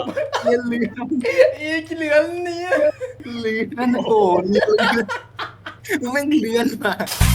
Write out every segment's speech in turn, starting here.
เรียนเรืออีกเหลือนเนี่ยเรือนั่นโอ้เรือมึงแม่งเรือนมา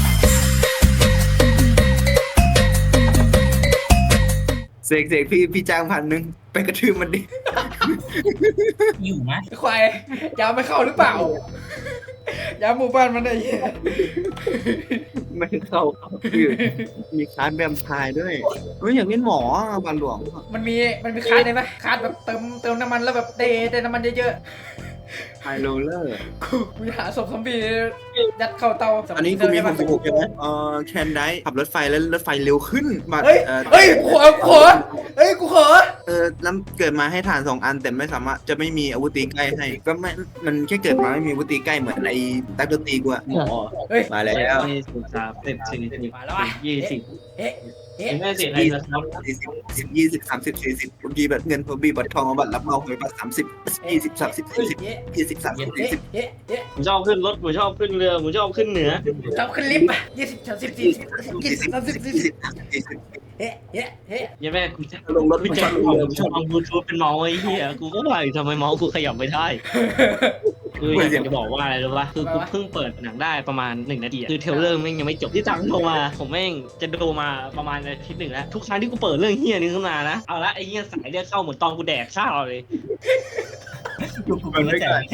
เสกพี่จ้าง1,000ไปกระทืบมันดิอยู่ไหมควายยาวไม่เข้าหรือเปล่า ยาวหมู่บ้านมันไอ้เหี้ยไม่เข้าอยู่มีคลาสแวมไพร์ด้วยเฮ้ยอยากเล่นหมอบาลหลวงมันมีคาร์ดได้ไหมคาร์ดแบบเติมน้ำมันแล้วแบบได้น้ำมันเยอะไฮโรลเลอร์ๆกูหาศพซอมบี้ยัดเข้าเตาอันนี้กูมี66ใช่ไหมแคนได้ขับรถไฟแล้วรถไฟเร็วขึ้นบัตรเฮ้ยกูขอแล้วเกิดมาให้ฐาน2 อันแต่ไม่สามารถจะไม่มีอาวุธตีใกล้ให้ก็ไม่มันแค่เกิดมาไม่มีอาวุธตีใกล้เหมือนไอ้ตักดนตรีกูอะมาแล้ว 20 เอ๊ะไม่เสียอะไรนะครับ 40 20 30 40บางทีแบบเงินพอบีบัตรทองบัตรรับเมาหวยบัตร30 20 30 40 20 30 40 ผมชอบขึ้นรถผมชอบขึ้นเรือผมชอบขึ้นเหนือชอบขึ้นลิฟต์20 30 40 20 30 40 ยังแม่กูจะลงรถกูจะเอาบลูทูธเป็นเมาส์ไอ้เหี้ยกูก็ว่าทำไมเมาส์กูขยับไม่ได้คืออยากจะบอกว่าอะไรรู้ป่ะคือกูเพิ่งเปิดหนังได้ประมาณ1 นาทีคือเทเลอร์แม่งยังไม่จบที่ตังโทรมาผมแม่งจะดูมาประมาณอาทิตย์ 1แล้วทุกครั้งที่กูเปิดเรื่องเหี้ยนี้ขึ้นมานะเอาละไอ้เหี้ยสายเรียกเข้าเหมือนตอนกูแดกข้าวเลยชวนด้วยกัน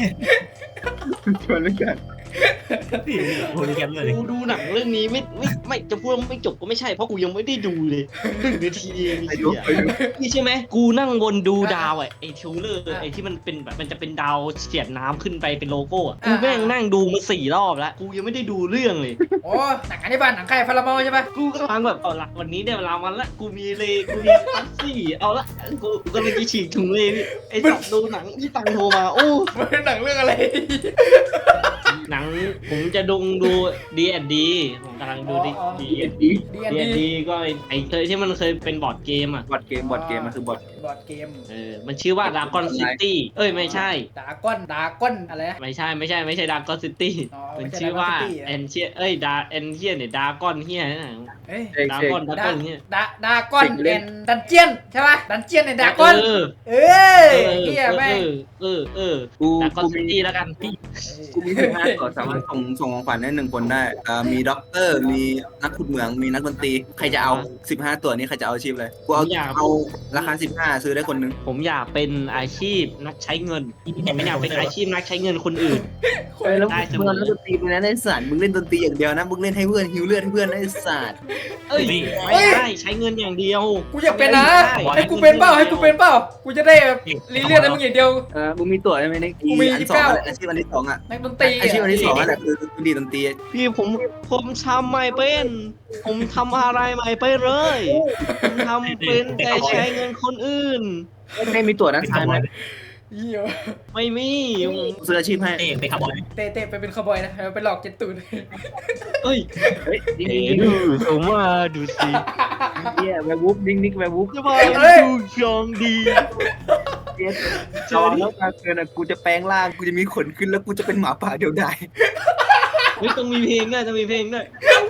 กูดูหนังเรื่องนี้ไม่จะพูดว่าไม่จบก็ไม่ใช่เพราะกูยังไม่ได้ดูเลย1 นาทีเองนี่ใช่ไหมกูนั่งบนดูดาวไอ้เทเลอร์ไอ้ที่มันเป็นแบบมันจะเป็นดาวเสียดน้ำขึ้นไปเป็นโลโก้กูแม่งนั่งดูมา4 รอบแล้วกูยังไม่ได้ดูเรื่องเลยโอ้หนังอันนี้บ้านหนังใครพาราเมลใช่ปะกูกำลังแบบเอาละวันนี้ได้เวลามันละกูมีปัสซี่เอาละกูกำลังจะฉีกถุงเลยไอ้สัตว์ดูหนังที่ตังโทรมาโอ้มันเป็นหนังเรื่องอะไรหนังผมจะดูD&D ผมกำลังดูD&D ก็ไอ้เคยที่มันเคยเป็นบอร์ดเกมบอร์ดเกมมันคือบอร์ดเกมมันชื่อว่า Dragon City ไม่ใช่ดาก้อนอะไรไม่ใช่ Dragon City มันชื่อว่า Ancient Ancient เนี่ย Dragon เหี้ยนะDragon เนี่ย Dragon and Dungeon ใช่ป่ะ Dungeon and Dragon เหี้ยแม่ Dragon City แล้วกันกูมี15 ตัวสามารถส่งของขวัญได้1 คนได้มีด็อกเตอร์มีนักขุดเหมืองมีนักดนตรีใครจะเอา15 ตัวนี้ใครจะเอาอาชีพเลยกูเอาราคา15ซื้อได้คนนึงผมอยากเป็นอาชีพนักใช้เงินไม่อยากเป็นอาชีพนักใช้เงินคนอื่นแล้วมึงเล่นดนตรีมึงนะไอ้สัตว์มึงเล่นดนตรีอย่างเดียวนะมึงเล่นให้เพื่อนฮิวเลือดให้เพื่อนไอ้สัตว์ไม่ได้ใช้เงินอย่างเดียวกูอยากเป็นนะให้กูเป็นเปล่ากูจะได้แบบรีเลือดให้มึงอย่างเดียวมึงมีตัวใช่ไหมในกูมี 29อาชีพอันที่2 นักดนตรีอาชีพอันที่2นั่นแหละคือดีดนตรีพี่ผมทำไม่เป็นผมทำอะไรไม่เป็นเลยผมทำเป็นแต่ใช้เงินคนอื่นไม่มีตัวด้านซ้ายไหมไม่มีซื้ออาชีพให้ไปคาร์บอยเตะไปเป็นคาร์บอยนะไปหลอกเจ็ดตูนดูผมว่าดูสิแวร์วูฟนิกแวร์วูฟจะมาดูชองดีจอแล้วมาเกินกูจะแปลงร่างกูจะมีขนขึ้นแล้วกูจะเป็นหมาป่าเดียวดายต้องมีเพลงด้วย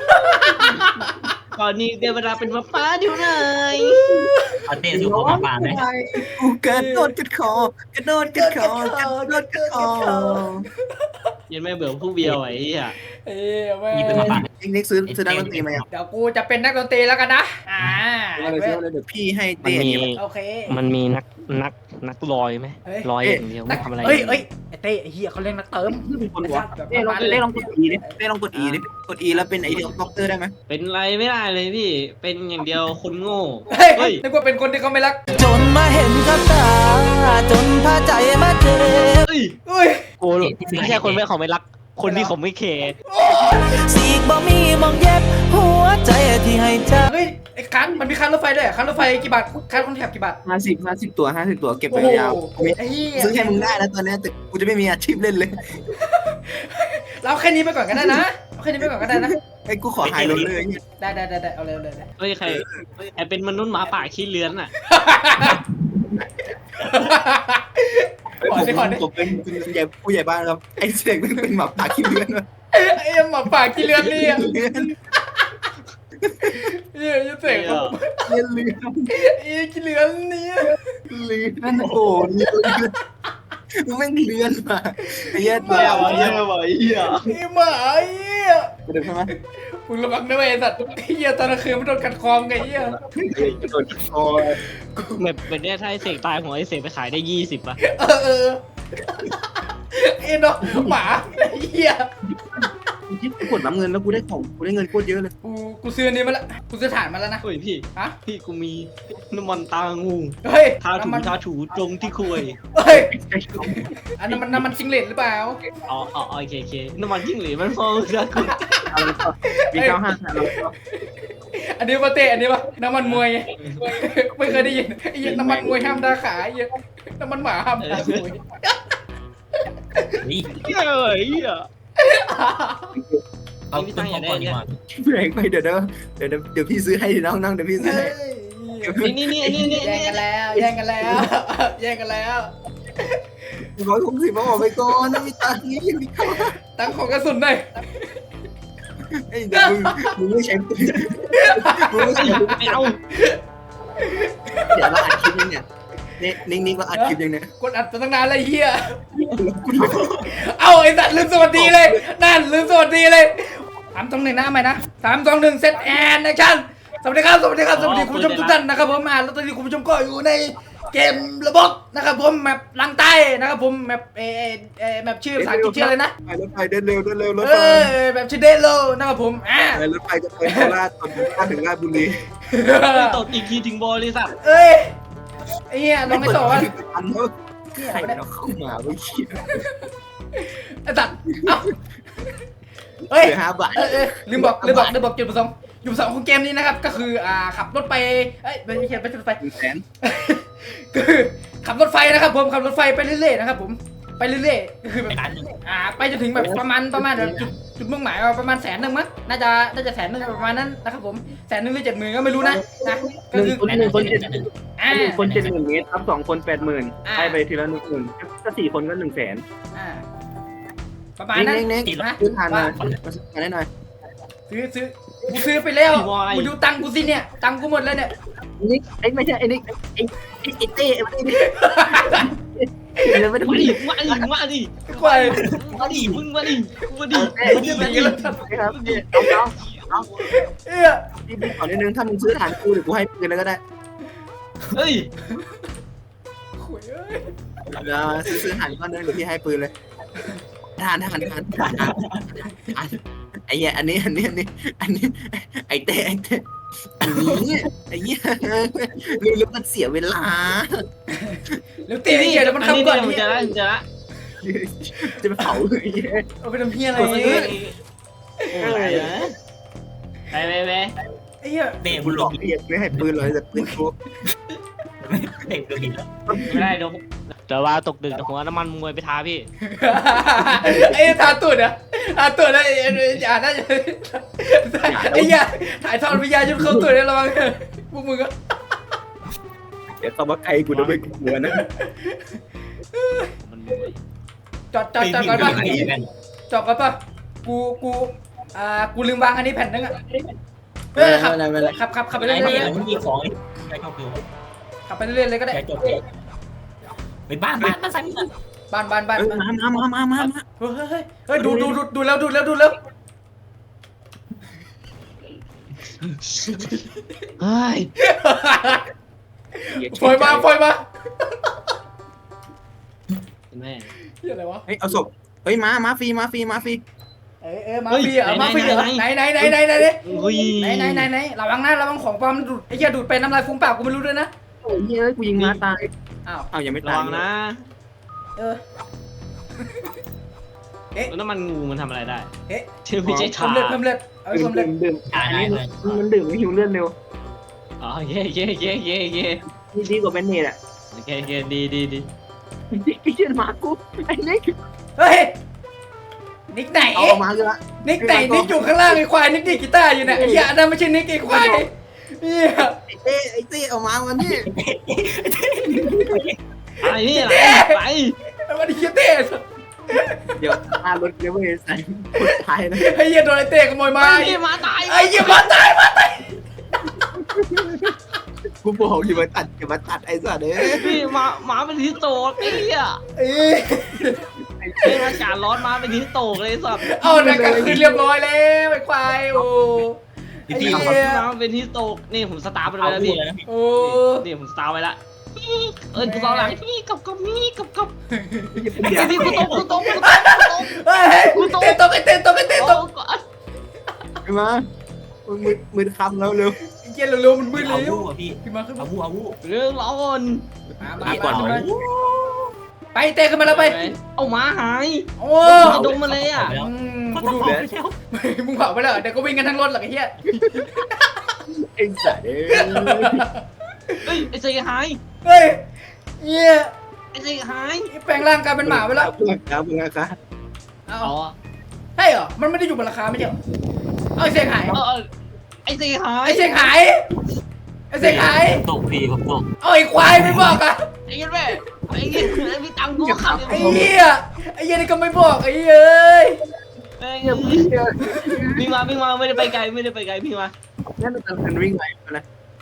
ตอนนี้เดี๋ยวเวลาเป็นหมาป่าเดี๋ยวไหนเต้สู่หมาป่าไหมกูกระโดดกัดคอยังไม่เบื่อผู้เบียวไอ้เหี้ยมีเป็นหมาป่านิกซื้อนักดนตรีไหมเดี๋ยวกูจะเป็นนักดนตรีแล้วกันนะเดี๋ยวพี่ให้เต้โอเคมันมีนักลอยไหมลอยอย่างเดียวไม่ทำอะไรไอ้เต้ไอ้เหี้ยเขาเล่นนักเติมเต้ลองกด E ดิกด E แล้วเป็นไอเดียด็อกเตอร์ได้ไหมเป็นไรไม่ได้เลยพี่เป็นอย่างเดียวคนโง่นึกว่าเป็นคนที่เขาไม่รักจนมาเห็นกับตาจนพาใจมาเจ็บโอ้ไม่ใช่คนไม่รักคนที่เขาไม่แคร์สีกบ่มีมองเย็บหัวใจที่ให้เธอไอ้คันมันมีคันรถไฟด้วยคันรถไฟกี่บาทคันคนแถบกี่บาท 50 ตัวเก็บไปยาวซื้อให้มึงได้แล้วตอนนี้แต่กูจะไม่มีอาชีพเล่นเลยเราแค่นี้ไปก่อนก็ได้นะไอ้กูขอหายลงเลยได้เอาเลยใครเป็นมนุษย์หมาป่าขี้เลื้อนอ่ะผมเป็นผู้ใหญ่บ้านครับไอ้เสกเป็นหมาป่าขี้เลื้อนไอ้หมาป่าขี้เลื้อนนี่เสกเลื้อนไอ้ขี้เลื้อนนี่เลื่อนโอ้เลื่อนมึงไม่เลื่อนมาไอ้เหี้ยไม่เอาเหี้ยว่ะไอ้เหี้ยไอ้หมาไอ้เหี้ยกระโดดใช่ไหมมึงระวังนะเว้ยไอ้สัตว์ไอ้เหี้ยตอนกลางคืนมันโดนกัดคอมไงไอ้เหี้ยกระโดดคอแบบเนี้ยถ้าไอ้เสกตายหัวไอ้เสกไปขายได้20ป่ะเออไอ้น้องหมาไอ้เหี้ยที่กดรับเงินแล้วกูได้ของกูได้เงินโคตรเยอะเลยกูซื้ออันนี้มาละกูซื้อถ่านมาแล้วนะเฮ้ยพี่ฮะพี่กูมีน้ำมันตางูเฮ้ยทาถูน้ำมันทาถูตรงที่คุยเฮ้ยอันนั้นมันน้ำมันซิงเลตหรือเปล่าอ๋อโอเคน้ำมันจิ้งหรีดมันพอจะกูมี95แล้วอันนี้มาเตะอันนี้ปะน้ำมันมวยไงไม่เคยได้ยินไอ้เหี้ยน้ำมันมวยห้ามด่าขาไอ้เหี้ยน้ำมันหมาห้ามด่ามวยนี่เหี้ยไอ้เหี้ยเอาต้นพอก่อนดีกว่าแพงไปเดี๋ยวพี่ซื้อให้น้องเดี๋ยวพี่ซื้อเฮ้ให้ยนี่แย่งกันแล้วแย่งกันแล้วแย่งกันแล้ว 160มาออกไปก่อนนะมีตังค์นี้ยังมีเข้าตั้งของกระสุนหน่อยไอ้เดี๋ยวมึงไม่ใช้ปืนมึงไม่ใช้ปืนไม่เอาเดี๋ยวเราอัดคลิปยังเนี่ยนิ่งๆเราอัดคลิปยังเนี่ยกดอัดมาตั้งนานเลยเฮียเอาไอ้สัตว์ลืมสวัสดีเลยนั่นลืมสวัสดีเลย3-2-1นะใหม่นะ3-2-1เซตแอนแอคชั่นสวัสดีครับสวัสดีคุณผู้ชมทุกท่านนะครับผมแล้วตอนนี้คุณผู้ชมก็อยู่ในเกมระบบนะครับผมแมปลังใต้นะครับผมแมปแมปชื่อภาษาอังกฤษชื่ออะไรนะรถไฟเดินเร็วรถเอไฟอแบบชื่อเดโลนะครับผมรถไฟจะไปโคราชถึงราชบุรีตกอีกทีถึงบริษัทเอ้ยไอ้เหี้ยลองไม่ต่อวะอันเขาใครเราเข้ามาไม่คิดไอ้สัตว์เอ้าเฮ้ยเหลือ5 บาทลืมบอกจุดประสงค์ของเกมนี้นะครับก็คือขับรถไปไม่ใช่รถไฟ 100,000 คือขับรถไฟนะครับผมขับรถไฟไปเรื่อยๆนะครับผมไปเรื่อยๆก็คือแบบไปร้านหนึ่งไปจนถึงแบบประมาณแบบจุดมุ่งหมายประมาณ100,000มั้งน่าจะ100,000ประมาณนั้นนะครับผม100,000หรือ70,000ก็ไม่รู้นะก็คือ 1 คนคน 70,000 เมตรครับ2 คน 80,000ให้ไปทีละ10,000ก็4 คนก็100,000 ประมาณนั้นเน่งนะซื้อทานมาได้หน่อยซื้อกูซื้อไปแล้วกูดูตังกูสิเนี่ยตังกูหมดแล้วเนี่ยนี่ไม่ใช่ไอ้นี่ไอ้เต้ไอ้นี่ไม่ได้มาดิกว่ามึงมาดิครับน้องพี่ขอนิดนึงถ้ามึงซื้อฐานกูเดี๋ยวกูให้ปืนแล้วก็ได้เฮ้ยเดี๋ยวซื้อฐานก้อนนึงเดี๋ยวพี่ให้ปืนเลยฐานไอ้เหี้ยอันนี้ไอ้เต้อันนี้ไอ้เหี้ยลืมมันเสียเวลาแล้วตีนี่แล้วมันทำก่อนมึงจะละจะไปเผาเลยเอาไปทำเพี้ยอะไรไปไอ้เหี้ยเบรกกูบุหลลอกเรียกไม่ให้ปืนเลยแต่ปืนกูเบรกบุลแล้วไม่ได้เดี๋ยวว่าตกดึกหัวน้ำมันมวยไปทาพี่ไอ้ทาตุ่นอะทาตุ่นนะอย่าน่าจะไอ้เหี้ยถ่ายทอดวิญญาณจนเข้าตุ่นเลยระวังพวกมึงก็เดี๋ยวเขามาไกลกูจะไปกลัวนะมันมวยจอดก่อนป่ะจอดก่อนป่ะกูลืมวางอันนี้แผ่นนึงอะขับไปเรื่ไอ้อยเนี่ยมันมีของไอ้ก็คือๆขับไปเรื่อยๆเลยก็ได้แกจบไปบ้านใส่มึงบ้านมาเฮ้ยดูแล้วเฮ้ยปล่อยมาแม่เหี้ยอะไรวะเฮ้ยเอาศพเฮ้ยมาฟรีมาฟรีมาฟรีเหรอไหนระวังของปลอมดูดไอ้เหี้ยดูดไปน้ำลายฟุ้งปากกูไม่รู้ด้วยนะโอ้ยเฮ้ยกูยิงมาตายอ้าวอ้าวยังไม่ระตายวังนะ แล้วมันงูมันทำอะไรได้ชื่อไม่ใช่เพิ่ชามเลือดเอาไปเพิ่มเลือดดื่มอันนี้มันดื่มไม่หิวเลือดเร็วอ๋อเย่ดีกว่าเป็นเนตอ่ะโอเคดีพี่เชื่อมากูไอ้นิกเฮ้ยนิกไหนเอามาเลยละนิกอยู่ข้างล่างไอ้ควายนิกดีกีตาร์อยู่เนี่ยไอ้เหี้ยนั่นไม่ใช่นิกไอ้ควายเนี่ยไอ้เต้เอามาวันนี้อะไรนี่อะไรไปมันเหี้ยเต้เดี๋ยวรถเดี๋ยวไปใส่คนตายนะไอ้เหี้ยโดนไอ้เต้ขโมยมาไอ้มาตายไอ้เหี้ยมาตายกูบอกอย่ามาตัดไอ้สัตว์เอ้ยพี่ม้าเป็นที่โตกไอ้เหี้ยเอ้ยเรื่องอากาศร้อนม้าเป็นที่โตกเลยไอ้สัตว์เอาหนักกลางคืนเรียบร้อยแล้วไอ้ควายโอ้ไอ้พี่เหี้ยม้าเป็นที่โตกนี่ผมสตาร์ทไปเอาแล้วพูพี่ดเลยนะพี่โอ้นี่ผมสตาร์ทไว้ละกูสตาร์ทหลังพี่กับมีกับอย่าไอ้ที่กูตกเฮ้ยเต้นตกไอ้เต้นตกไอ้เต้นตกไอ้มามือคำแล้วเร็วไอ้เหี้ยเร็วๆมันมืดเอาเร็วพูดอ่ะพี่ขึ้นมาขึ้นมาเอาพูดเรื่องร้อนมาก่อนไปเต้ขึ้นมาแล้วไปเอาม้าหายโอ้มาดมมาเลยอ่ะก็กูต้องดูบอกไปแล้วมึงเผาไปแล้วเดี๋ยวก็วิ่งกันทั้งรถหรอกไอ้เหี้ยไอ้สัตว์เอ้ยเฮ้ยไอ้เซย์หายเฮ้ยเหี้ยไอ้เซย์หายแปลงร่างกลายเป็นหมาไปแล้วเพื่อนครับเพื่อนครับเอาอ๋อใช่เหรอมันไม่ได้อยู่บนราคาไม่ใช่เหรอเอาไอ้เสียงหายไอ้เซย์หายไอ้เสียงหายไอ้เสียงหายตกพี่ผมตกเอาไอ้ควายไม่บอกอะไอ้เงี้ยแม่ไอ้เงี้ยมีตังค์กูขับไอ้เหี้ยไอ้เหี้ยนี่ก็ไม่บอกไอ้เหี้ยเอ้ยวิ่งมาไม่ได้ไปไกลพี่มานั่นมันวิ่งไปนะ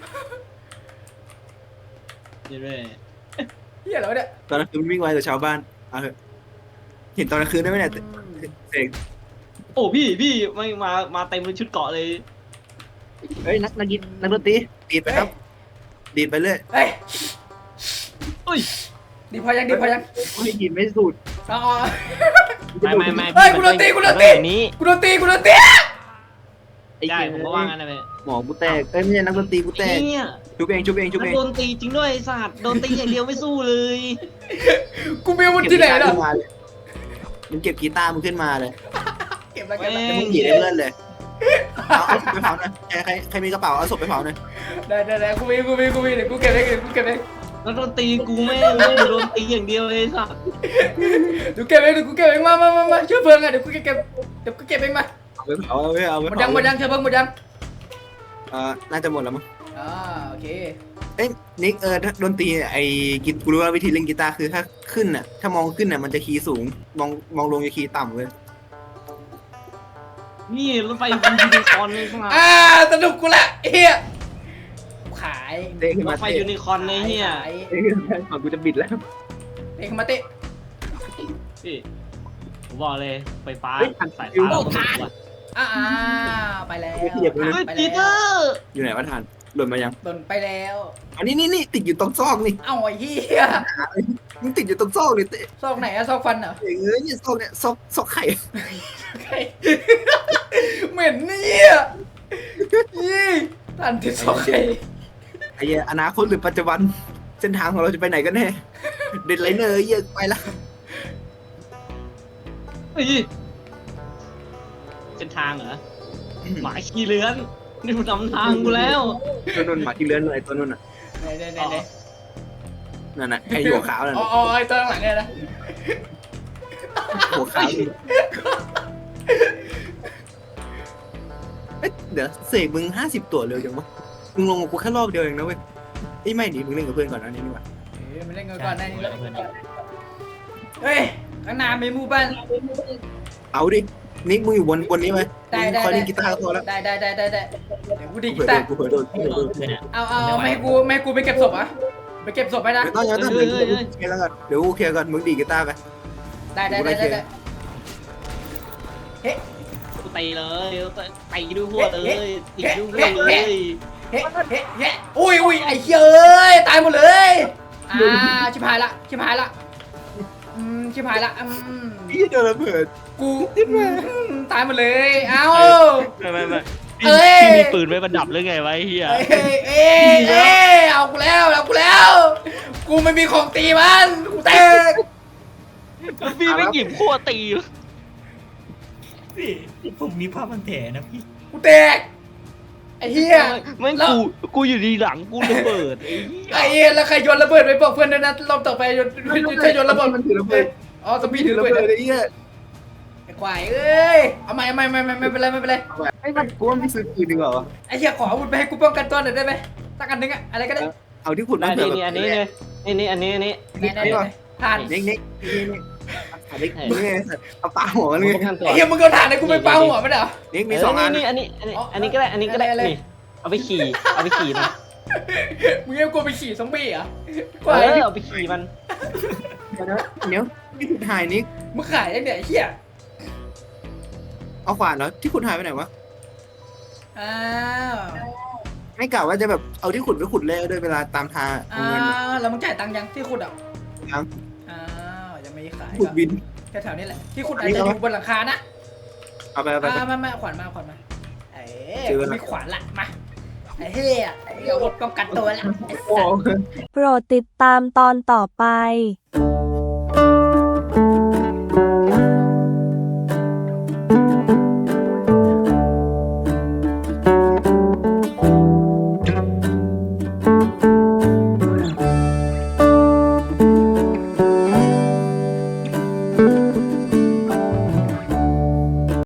เดี๋ยวแม่เหี้ยแล้วะเนี่ยตอนกลางคืนวิ่งไวแต่ชาวบ้านเอาเถอะเห็นตอนกลางคืนได้ไหมเนี่ยเสกโอ้พี่ไม่มาเต็มเป็นชุดเกาะเลยเฮ้ยนักดนตรีดีดไปครับดีดไปเรื่อยเฮ้ยอุ้ยดีพอยังดีพอยังไม่ดีดไม่สูดเอาไม่เฮ้ยกูโดนตีกูโดนตีนี้กูโดนตีกูโดนตีได้ผมก็ว่างั้นนะแม่หมอกูแตกเอ้ยไม่ใช่นักดนตรีกูแตกเนี่ยชุบเองโดนตีจริงด้วยศาสตร์โดนตีอย่างเดียวไม่สู้เลยกูมีอาวุธที่ไหนล่ะมันเก็บกีตาร์มึงขึ้นมาเลยเก็บแล้วเก็บแล้วแล้วมึงหยีดให้เพื่อนเลยเอาศพไปเผาหน่อยใครมีกระเป๋าเอาศพไปเผาหน่อยได้กูมีเดี๋ยวกูเก็บเองเดี๋ยวกูเก็บเองแล้วโดนตีกูไม่โดนตีอย่างเดียวเลยสัสเดี๋ยวเก็บเองเดี๋ยวกูเก็บเองมาเชื่อเพลิงอ่ะเดี๋ยวกูเก็บเองมาเอาไปเผาเอาไปหมดยังเชื่อเพลิงหมดยังน่าจะหมดแล้วมั้งโอเคเอ้ยนิกดนตรีไอ้กิกูรู้ว่าวิธีเล่นกีตาร์คือถ้าขึ้นน่ะถ้ามองขึ้นน่ะมันจะคีย์สูงมองลงจะคีย์ต่ำเลยนี่รถไฟยูนิคอร์นเลยข้างหลังสนุกกูละเฮียขายเตะขึ้นรมาถไฟยูนิคอร์นเลยเฮียเตะขึ้นมาก่อนกูจะบิดแล้วเตะมาเตะพี่ผมบอกเลยไฟฟ้าสายอยู่ฟ้าไปแล้วเฮ้ยปีเตอร์อยู่ไหนวะทานหล่นมายังโดนไปแล้วอันนี้นี่ติดอยู่ตรงซอกนี่เอ้าไอ้เฮียมันติดอยู่ตรงซอกนี่เตะซอกไหนอะซอกฟันเหรอเอ้ยเนี่ยซอกเนี่ยซอกไข่เหม็นเนี่ยยี่ทันที่ซอกไข่ไอ้เหี้ยอนาคตหรือปัจจุบันเส้นทางของเราจะไปไหนกันแน่เด็ดไลเนอร์เยอะไปละเฮ้ยเส้นทางเหรอหมาขี่เลื้อนนี่มันนำทางกูแล้วตัวนุ่นหมาที่เลื้อนเลยตัวนุ่นน่ะไหนนั่นน่ะไอ้หัวขาวนั่นอ๋อไอ้ตัวหลังเนี่ยนะหัวขาวเดี๋ยวเสกมึง50 ตัวเร็วจังวะมึงลงกับกูแค่รอบเดียวเองนะเว้ยไอ้ไม่ดิมึงเล่นกับเพื่อนก่อนนะนี่นี่หว่ามันเล่นกันก่อนได้นี่เฮ้ยข้างหน้ามีหมู่บ้านเอาดินิกมึงอยู่บนนี้ไหมได้คอยเล่นกีตาร์ก็พอแล้วได้เดี๋ยวกูดีกีเผื่อตาโดนร์กูเผื่อโดนเอาไม่ให้กูไปเก็บศพอ่ะไปเก็บศพไปนะไม่ต้องยังต้องเดี๋ยวกูเคลียร์แล้วกันเดี๋ยวกูเคลียร์ก่อนมึงดีดกีตาร์ไปได้เฮ้กูตีเลยตีด้วยหัวเลยตีด้วยหัวเลยเฮ้อุ้ยไอ้เฮ้ยตายหมดเลยชิบหายละชิบหายละพี่โดนระเบิดกูตายหมดเลยเอ้าไม่พี่มีปืนไว้ประดับหรือไงวะเฮียเอากูแล้วกูไม่มีของตีมันกูแตกพี่ไม่หยิบขั้วตีพี่ผมมีภาพมันแผลนะพี่กูแตกไอ้เหี้ยไม่กูอยู่ดีหลังกูระเบิดไอ้เหี้ยแล้วใครโยนระเบิดไปบอกเพื่อนด้วยนะรอบต่อไปใครโยนระเบิดมันถือระเบิดอ๋อสปีดถือระระเบิเบิดดไอ้เหี้ยไอ้ควายเอ้ยเอาไม่เป็นไรไอ้มันกูว่าไม่ซื้อปืนดีกว่าวะไอ้เหี้ยขออาวุธไปให้กูป้องกันตัวหน่อยได้ไหมสักอันนึงอะอะไรก็ได้เอาที่ขุดอัมาน เผื่อนี้แบบอันนี้เลยนี่อันนี้ไหนผ่านนิกมึงไงเอาปาหัวมันเลยไอ้เหี้ยมึงเอาถ่านให้กูไปเป่าหัวมันเหรอนิกมี2 อันนี่อันนี้ก็ได้นี่เอาไปขี่นะมึงยังกลัวไปขี่ซอมบี้เหรอ่ะกเอว่าอเอาไปขี่มันเดี๋ยวที่ขุดหายนี่มึงขายได้เนี่ยไอ้เหี้ยเอาขวานแล้วที่ขุดหายไปไหนวะอ้าวไม่กล่าวว่าจะแบบเอาที่ขุดไปขุดเล่ด้วยเวลาตามทางอ้าวแล้วมึงจ่ายตังค์ยังที่ขุดอ่ะยังอ้าวยังไม่ขายขุดบินแถวๆนี้แหละที่ขุดอาจจะอยู่บนหลังคานะเอาไปมาขวานมาเอ้ยซื้อละมีขวานละมาไอ้เหี้ยเดี๋ยวป้องกันตัวละไอ้โอ้สัตว์โปรดติดตามตอนต่อไป